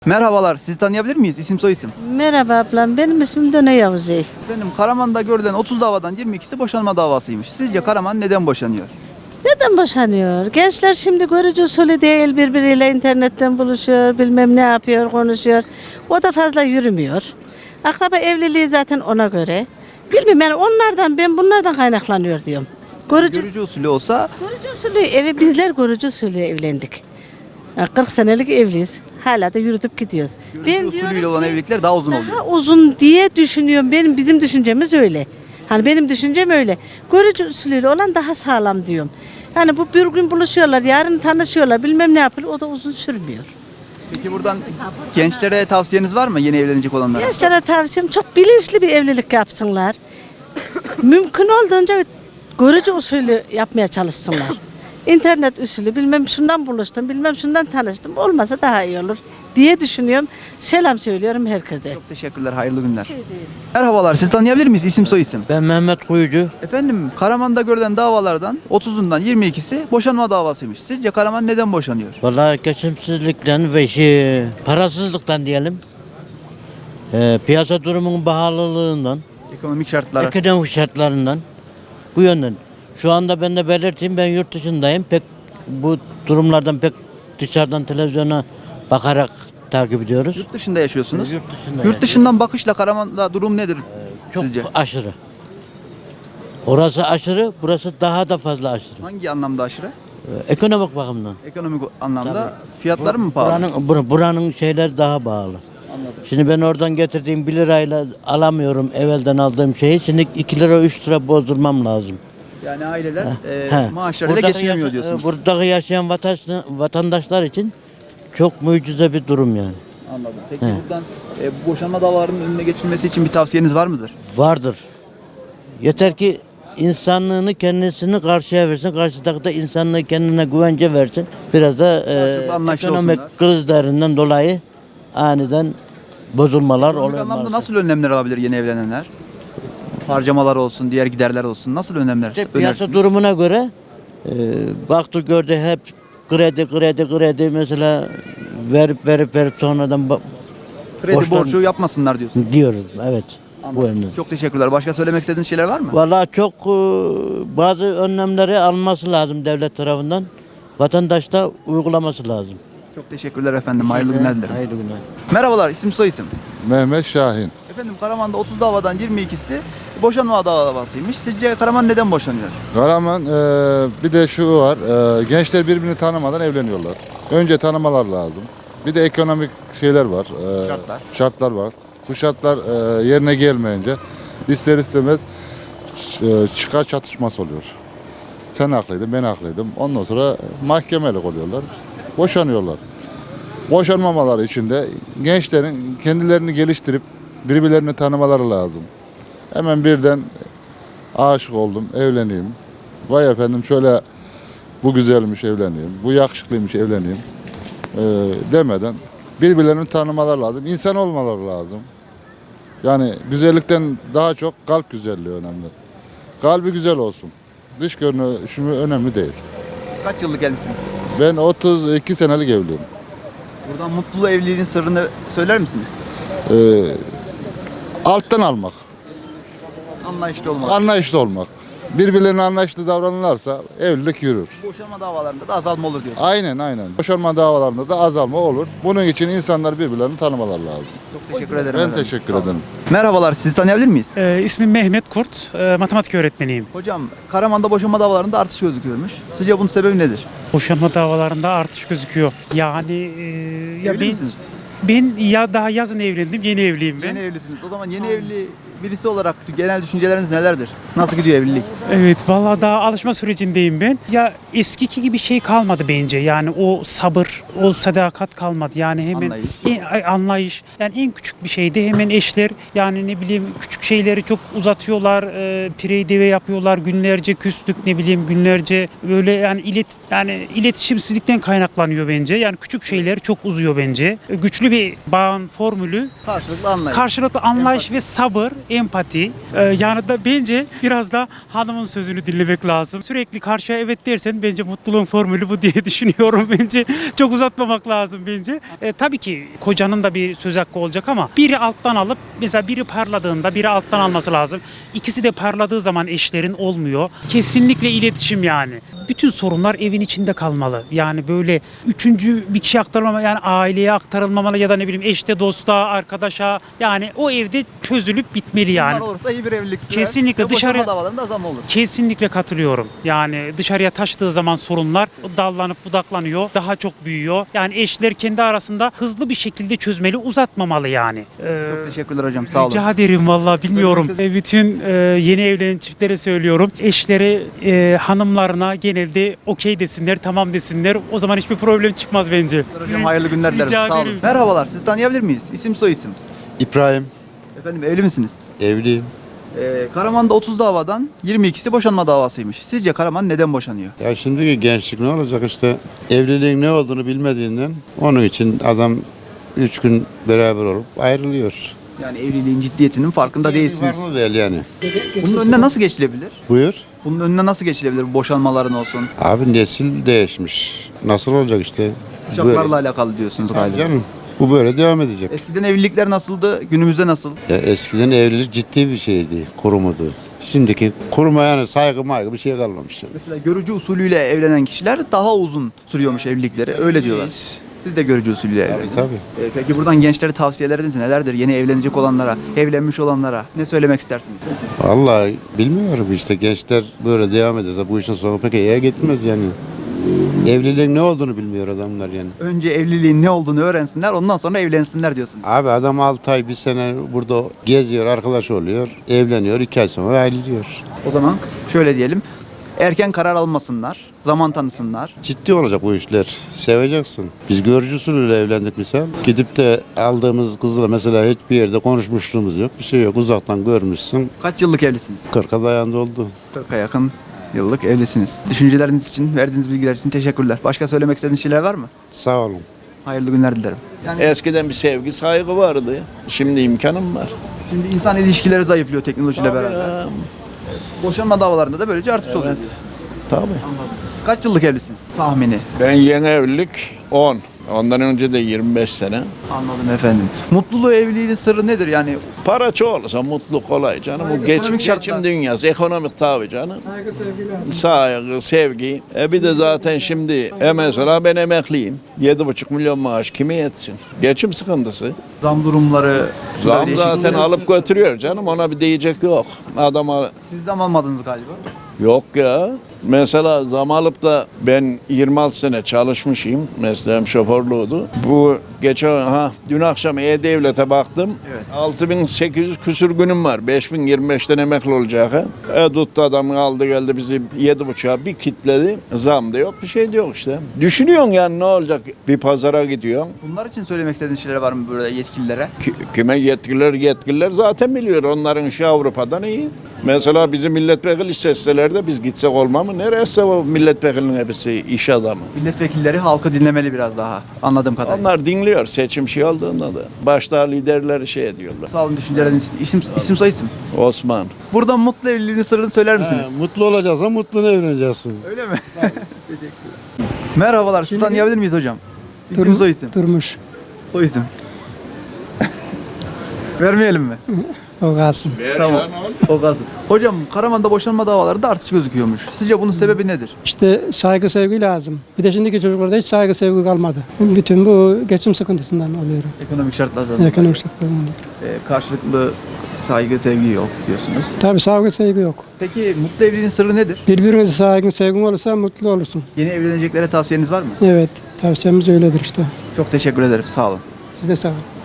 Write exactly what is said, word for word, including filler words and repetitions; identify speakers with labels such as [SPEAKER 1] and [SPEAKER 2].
[SPEAKER 1] Merhabalar, sizi tanıyabilir miyiz? İsim soyisim.
[SPEAKER 2] Merhaba ablam, benim ismim Döne Yavuzey.
[SPEAKER 1] Efendim Karaman'da görülen otuz davadan yirmi ikisi boşanma davasıymış. Sizce Karaman neden boşanıyor?
[SPEAKER 2] Neden boşanıyor? Gençler şimdi görücü usulü değil, birbiriyle internetten buluşuyor, bilmem ne yapıyor, konuşuyor. O da fazla yürümüyor. Akraba evliliği zaten ona göre. Bilmiyorum yani onlardan, ben bunlardan kaynaklanıyor diyorum. Görücü,
[SPEAKER 1] Görücü usulü olsa
[SPEAKER 2] görücü usulü, evi bizler görücü usulü evlendik. Yani kırk senelik evliyiz. Hala da yürütüp gidiyoruz.
[SPEAKER 1] görücü usulüyle olan
[SPEAKER 2] ki
[SPEAKER 1] evlilikler daha uzun oluyor.
[SPEAKER 2] Daha uzun diye düşünüyorum. Benim bizim düşüncemiz öyle. Hani benim düşüncem öyle. Görücü usulüyle olan daha sağlam diyorum. Yani bu bir gün buluşuyorlar, yarın tanışıyorlar, bilmem ne yapıyor. O da uzun sürmüyor.
[SPEAKER 1] Peki buradan gençlere tavsiyeniz var mı yeni evlenecek olanlara?
[SPEAKER 2] Gençlere tavsiyem çok bilinçli bir evlilik yapsınlar. Mümkün olduğunca görücü usulü yapmaya çalışsınlar. İnternet usulü bilmem şundan buluştum, bilmem şundan tanıştım. Olmasa daha iyi olur diye düşünüyorum. Selam söylüyorum herkese.
[SPEAKER 1] Çok teşekkürler, hayırlı günler.
[SPEAKER 2] Şey değil.
[SPEAKER 1] Merhabalar, sizi tanıyabilir miyiz? İsim soyisim.
[SPEAKER 3] Ben Mehmet Kuyucu.
[SPEAKER 1] Efendim Karaman'da görülen davalardan otuzundan yirmi ikisi boşanma davasıymış. Sizce Karaman neden boşanıyor?
[SPEAKER 3] Vallahi geçimsizlikten ve şey, parasızlıktan diyelim. Ee, piyasa durumunun pahalılığından,
[SPEAKER 1] Ekonomik şartlar.
[SPEAKER 3] ekonomik şartlarından bu yönden. Şu anda ben de belirteyim, ben yurt dışındayım. Pek bu durumlardan pek dışarıdan televizyona bakarak takip ediyoruz.
[SPEAKER 1] Yurt dışında yaşıyorsunuz.
[SPEAKER 3] Yurt dışında
[SPEAKER 1] Yurt dışından bakışla Karaman'da durum nedir
[SPEAKER 3] çok
[SPEAKER 1] sizce?
[SPEAKER 3] aşırı. Orası aşırı, burası daha da fazla aşırı.
[SPEAKER 1] Hangi anlamda aşırı?
[SPEAKER 3] Ee, ekonomik bakımdan.
[SPEAKER 1] Ekonomik anlamda
[SPEAKER 3] Tabii.
[SPEAKER 1] fiyatları mı pahalı?
[SPEAKER 3] Buranın, bur- buranın şeyler daha pahalı.
[SPEAKER 1] Anladım.
[SPEAKER 3] Şimdi ben oradan getirdiğim bir lirayla alamıyorum evvelden aldığım şeyi. Şimdi iki lira üç lira bozdurmam lazım.
[SPEAKER 1] Yani aileler e,
[SPEAKER 3] He.
[SPEAKER 1] maaşlarıyla
[SPEAKER 3] Buradaki
[SPEAKER 1] geçinemiyor
[SPEAKER 3] yaşa-
[SPEAKER 1] diyorsunuz.
[SPEAKER 3] e, Buradaki yaşayan vatandaş- vatandaşlar için çok mucize bir durum yani.
[SPEAKER 1] Anladım. Peki
[SPEAKER 3] He.
[SPEAKER 1] buradan e, bu boşanma davalarının önüne geçilmesi için bir tavsiyeniz var mıdır?
[SPEAKER 3] Vardır. Yeter ki insanlığını kendisini karşıya versin. Karşıdaki da insanlığı kendine güvence versin. Biraz da e,
[SPEAKER 1] Karşılıklı anlayışlı
[SPEAKER 3] ekonomik
[SPEAKER 1] olsunlar.
[SPEAKER 3] krizlerinden dolayı aniden bozulmalar
[SPEAKER 1] Ekonomik
[SPEAKER 3] oluyor.
[SPEAKER 1] anlamda
[SPEAKER 3] maalesef.
[SPEAKER 1] nasıl önlemler alabilir yeni evlenenler? Harcamalar olsun, diğer giderler olsun. Nasıl önlemler
[SPEAKER 3] İşte piyasa
[SPEAKER 1] önersiniz?
[SPEAKER 3] durumuna göre e, baktı gördü hep kredi kredi kredi mesela verip verip verip sonradan ba-
[SPEAKER 1] Kredi
[SPEAKER 3] borçlar-
[SPEAKER 1] borcu yapmasınlar diyorsun.
[SPEAKER 3] diyoruz evet bu
[SPEAKER 1] Anladım.
[SPEAKER 3] yönden.
[SPEAKER 1] Çok teşekkürler. Başka söylemek istediğiniz şeyler var mı?
[SPEAKER 3] Vallahi çok e, bazı önlemleri alması lazım devlet tarafından. Vatandaş da uygulaması lazım.
[SPEAKER 1] Çok teşekkürler efendim. Hayırlı günler dilerim.
[SPEAKER 3] Hayırlı günler.
[SPEAKER 1] Merhabalar, isim soyisim.
[SPEAKER 4] Mehmet Şahin.
[SPEAKER 1] Efendim Karaman'da otuz davadan yirmi ikisi boşanma davasıymış. Sizce Karaman neden boşanıyor?
[SPEAKER 4] Karaman e, bir de şu var. E, gençler birbirini tanımadan evleniyorlar. Önce tanımalar lazım. Bir de ekonomik şeyler var. e,
[SPEAKER 1] Şartlar.
[SPEAKER 4] Şartlar var. Bu şartlar e, yerine gelmeyince ister istemez ç- e, çıkar çatışması oluyor. Sen haklıydın, ben haklıydım. Ondan sonra mahkemelik oluyorlar. Boşanıyorlar. Boşanmamaları için de gençlerin kendilerini geliştirip birbirlerini tanımaları lazım. Hemen birden aşık oldum, evleneyim. Vay efendim şöyle bu güzelmiş evleneyim, bu yakışıklıymış evleneyim ee, demeden birbirlerini tanımaları lazım. İnsan olmaları lazım. Yani güzellikten daha çok kalp güzelliği önemli. Kalbi güzel olsun. Dış görünüşü önemli değil.
[SPEAKER 1] Siz kaç yıllık evlisiniz?
[SPEAKER 4] Ben otuz iki senelik evliyim.
[SPEAKER 1] Buradan mutlu evliliğin sırrını söyler misiniz?
[SPEAKER 4] Ee, alttan almak,
[SPEAKER 1] Anlayışlı olmak.
[SPEAKER 4] anlayışlı olmak. Birbirlerine anlayışlı davranırlarsa evlilik yürür.
[SPEAKER 1] Boşanma davalarında da azalma olur diyorsunuz.
[SPEAKER 4] Aynen aynen. Boşanma davalarında da azalma olur. Bunun için insanlar birbirlerini tanımaları lazım.
[SPEAKER 1] Çok teşekkür ederim.
[SPEAKER 4] Ben
[SPEAKER 1] efendim.
[SPEAKER 4] teşekkür
[SPEAKER 1] Sağ olun.
[SPEAKER 4] ederim.
[SPEAKER 1] Merhabalar, sizi tanıyabilir miyiz?
[SPEAKER 5] Ee, ismim Mehmet Kurt, e, matematik öğretmeniyim.
[SPEAKER 1] Hocam, Karaman'da boşanma davalarında artış gözüküyormuş. Sizce bunun sebebi nedir?
[SPEAKER 5] Boşanma davalarında artış gözüküyor. Yani e, ya
[SPEAKER 1] Evli
[SPEAKER 5] ben,
[SPEAKER 1] misiniz?
[SPEAKER 5] ben ya daha yazın evlendim, yeni evliyim ben.
[SPEAKER 1] Yeni evlisiniz. O zaman yeni evli birisi olarak genel düşünceleriniz nelerdir? Nasıl gidiyor evlilik?
[SPEAKER 5] Evet, vallahi daha alışma sürecindeyim ben. Ya eskiki gibi şey kalmadı bence. Yani o sabır, o sadakat kalmadı. Yani hemen
[SPEAKER 1] Anlayış.
[SPEAKER 5] En- ay- anlayış. Yani en küçük bir şeyde hemen eşler yani ne bileyim küçük şeyleri çok uzatıyorlar. E, pirey deve yapıyorlar. Günlerce küslük ne bileyim günlerce böyle yani ilet yani iletişimsizlikten kaynaklanıyor bence. Yani küçük şeyler çok uzuyor bence. E, Güçlü bir bağın formülü
[SPEAKER 1] Karşılıklı anlayış.
[SPEAKER 5] karşılıklı anlayış ve sabır, empati. Ee, yani da bence biraz da hanımın sözünü dinlemek lazım. Sürekli karşıya evet dersen bence mutluluğun formülü bu diye düşünüyorum bence. Çok uzatmamak lazım bence. Ee, tabii ki kocanın da bir söz hakkı olacak ama biri alttan alıp mesela biri parladığında biri alttan alması lazım. İkisi de parladığı zaman eşlerin olmuyor. Kesinlikle iletişim yani. Bütün sorunlar evin içinde kalmalı. Yani böyle üçüncü bir kişi aktarılmamalı, yani aileye aktarılmamalı ya da ne bileyim eşte, dosta, arkadaşa. Yani o evde çözülüp bitmeli yani.
[SPEAKER 1] Bunlar olursa iyi bir evlilik sürer.
[SPEAKER 5] Kesinlikle
[SPEAKER 1] ve boşanma
[SPEAKER 5] dışarı-
[SPEAKER 1] davalarında azalma olur.
[SPEAKER 5] Kesinlikle katılıyorum. Yani dışarıya taşıdığı zaman sorunlar dallanıp budaklanıyor, daha çok büyüyor. Yani eşler kendi arasında hızlı bir şekilde çözmeli, uzatmamalı yani. Ee,
[SPEAKER 1] Çok teşekkürler hocam. Sağ olun.
[SPEAKER 5] Rica ederim vallahi bilmiyorum. E, Bütün e, yeni evlenen çiftlere söylüyorum. Eşleri e, hanımlarına genelde okey desinler, tamam desinler. O zaman hiçbir problem çıkmaz bence.
[SPEAKER 1] Hocam hayırlı günler dilerim.
[SPEAKER 5] Rica
[SPEAKER 1] Sağ olun.
[SPEAKER 5] ederim.
[SPEAKER 1] Merhabalar. Sizi tanıyabilir miyiz? İsim soy isim.
[SPEAKER 6] İbrahim,
[SPEAKER 1] Efendim evli misiniz?
[SPEAKER 6] evliyim.
[SPEAKER 1] Ee, Karaman'da otuz davadan yirmi ikisi boşanma davasıymış. Sizce Karaman neden boşanıyor?
[SPEAKER 6] Ya şimdiki gençlik ne olacak işte evliliğin ne olduğunu bilmediğinden onun için adam üç gün beraber olup ayrılıyor.
[SPEAKER 1] Yani evliliğin ciddiyetinin farkında değilsiniz.
[SPEAKER 6] Farklı değil yani.
[SPEAKER 1] Bunun önüne nasıl geçilebilir?
[SPEAKER 6] Buyur.
[SPEAKER 1] Bunun önüne nasıl geçilebilir bu boşanmaların olsun?
[SPEAKER 6] Abi nesil değişmiş. Nasıl olacak işte?
[SPEAKER 1] Kuşaklarla alakalı diyorsunuz
[SPEAKER 6] Tabii
[SPEAKER 1] galiba.
[SPEAKER 6] canım. Bu böyle devam edecek.
[SPEAKER 1] Eskiden evlilikler nasıldı? Günümüzde nasıl?
[SPEAKER 6] Ya eskiden evlilik ciddi bir şeydi, kurumudu. Şimdiki kuruma yani saygı maygı bir şey kalmamış. Yani.
[SPEAKER 1] Mesela görücü usulüyle evlenen kişiler daha uzun sürüyormuş evlilikleri. Öyle diyorlar. Siz de görücü usulüyle
[SPEAKER 6] Tabii
[SPEAKER 1] evlendiniz.
[SPEAKER 6] tabii.
[SPEAKER 1] Ee, peki buradan gençlere tavsiyeleriniz nelerdir? Yeni evlenecek olanlara, evlenmiş olanlara ne söylemek istersiniz?
[SPEAKER 6] Vallahi bilmiyorum işte gençler böyle devam ederse bu işin sonu pek iyiye gitmez yani. Evliliğin ne olduğunu bilmiyor adamlar yani.
[SPEAKER 1] Önce evliliğin ne olduğunu öğrensinler, ondan sonra evlensinler diyorsunuz.
[SPEAKER 6] Abi adam altı ay bir sene burada geziyor, arkadaş oluyor, evleniyor, iki ay sonra ayrılıyor.
[SPEAKER 1] O zaman şöyle diyelim. Erken karar almasınlar, zaman tanısınlar.
[SPEAKER 6] Ciddi olacak bu işler. Seveceksin. Biz görücü usulüyle evlendik misal. Gidip de aldığımız kızla mesela hiçbir yerde konuşmuşluğumuz yok. Bir şey yok. Uzaktan görmüşsün.
[SPEAKER 1] Kaç yıllık evlisiniz?
[SPEAKER 6] kırka dayandı oldu.
[SPEAKER 1] kırka yakın yıllık evlisiniz. Düşünceleriniz için, verdiğiniz bilgiler için teşekkürler. Başka söylemek istediğiniz şeyler var mı?
[SPEAKER 6] Sağ olun.
[SPEAKER 1] Hayırlı günler dilerim. Yani
[SPEAKER 7] Eskiden bir sevgi, saygı vardı. Şimdi imkanım var.
[SPEAKER 1] şimdi insan ilişkileri zayıflıyor teknolojiyle
[SPEAKER 7] Tabii
[SPEAKER 1] beraber.
[SPEAKER 7] ya,
[SPEAKER 1] Boşanma davalarında da böylece artış oluyor.
[SPEAKER 7] tabii.
[SPEAKER 1] Siz kaç yıllık evlisiniz? Tahmini.
[SPEAKER 7] Ben yeni evlilik on. Ondan önce de yirmi beş sene.
[SPEAKER 1] Anladım efendim. Mutluluğu evliliğin sırrı nedir? Yani
[SPEAKER 7] Para çok olursa mutluluk kolay canım.
[SPEAKER 1] Saygı,
[SPEAKER 7] Bu geçim,
[SPEAKER 1] ekonomik şartlar.
[SPEAKER 7] geçim dünyası, ekonomik tabii canım. Saygı, sevgi. Saygı, sevgi. E bir de zaten şimdi e mesela ben emekliyim. Yedi buçuk milyon maaş kime yetsin? Geçim sıkıntısı.
[SPEAKER 1] zam durumları.
[SPEAKER 7] Zam
[SPEAKER 1] değişik-
[SPEAKER 7] zaten alıp götürüyor canım. Ona bir diyecek yok. Adama
[SPEAKER 1] Siz zam almadınız galiba.
[SPEAKER 7] yok ya. Mesela zam alıp da ben yirmi altı sene çalışmışım. Mesleğim şoförlüğüydü. Bu geçen ha dün akşam E-Devlet'e baktım.
[SPEAKER 1] Evet.
[SPEAKER 7] altı bin sekiz yüz küsür günüm var. beş bin yirmi beşten emekli olacak. E tuttu adam aldı geldi bizi yedi buçuğa bir kitledi. Zam da yok bir şey de yok işte. Düşünüyorsun yani ne olacak? Bir pazara gidiyorsun.
[SPEAKER 1] Bunlar için söylemek istediğiniz şeyler var mı böyle yetkililere?
[SPEAKER 7] Ki- Kime yetkililer yetkililer zaten biliyor. Onların işi Avrupa'dan iyi. Mesela bizim milletvekili isteseler de biz gitsek olmaz mı? Neresi o milletvekilinin hepsi iş adamı?
[SPEAKER 1] Milletvekilleri halkı dinlemeli biraz daha anladığım kadarıyla.
[SPEAKER 7] Onlar dinliyor seçim şey olduğunda da. Başta liderleri şey ediyorlar.
[SPEAKER 1] Sağ olun düşünceleriniz. İsim, isim soy isim.
[SPEAKER 7] Osman.
[SPEAKER 1] Buradan mutlu evliliğin sırrını söyler misiniz?
[SPEAKER 6] Ha, mutlu olacaksan mutlu evleneceksin.
[SPEAKER 1] Öyle mi? Teşekkür Merhabalar. Sizi tanıyabilir miyiz hocam? İsim
[SPEAKER 8] Durmuş-
[SPEAKER 1] soy isim.
[SPEAKER 8] Durmuş.
[SPEAKER 1] Soy isim. Vermeyelim mi?
[SPEAKER 8] O kalsın.
[SPEAKER 1] Tamam. O kalsın. Hocam Karaman'da boşanma davalarında artış gözüküyormuş. Sizce bunun sebebi nedir?
[SPEAKER 8] İşte saygı sevgi lazım. Bir de şimdiki çocuklarda hiç saygı sevgi kalmadı. Bütün bu geçim sıkıntısından oluyor.
[SPEAKER 1] Ekonomik şartlardan.
[SPEAKER 8] Ekonomik şartlardan oluyor.
[SPEAKER 1] Ee, karşılıklı saygı, sevgi yok diyorsunuz.
[SPEAKER 8] Tabii saygı sevgi yok.
[SPEAKER 1] Peki mutlu evliliğin sırrı nedir?
[SPEAKER 8] Birbirinize saygın sevgin olursa mutlu olursun.
[SPEAKER 1] Yeni evleneceklere tavsiyeniz var mı?
[SPEAKER 8] Evet. Tavsiyemiz öyledir işte.
[SPEAKER 1] Çok teşekkür ederim. Sağ olun.
[SPEAKER 8] Siz de sağ olun.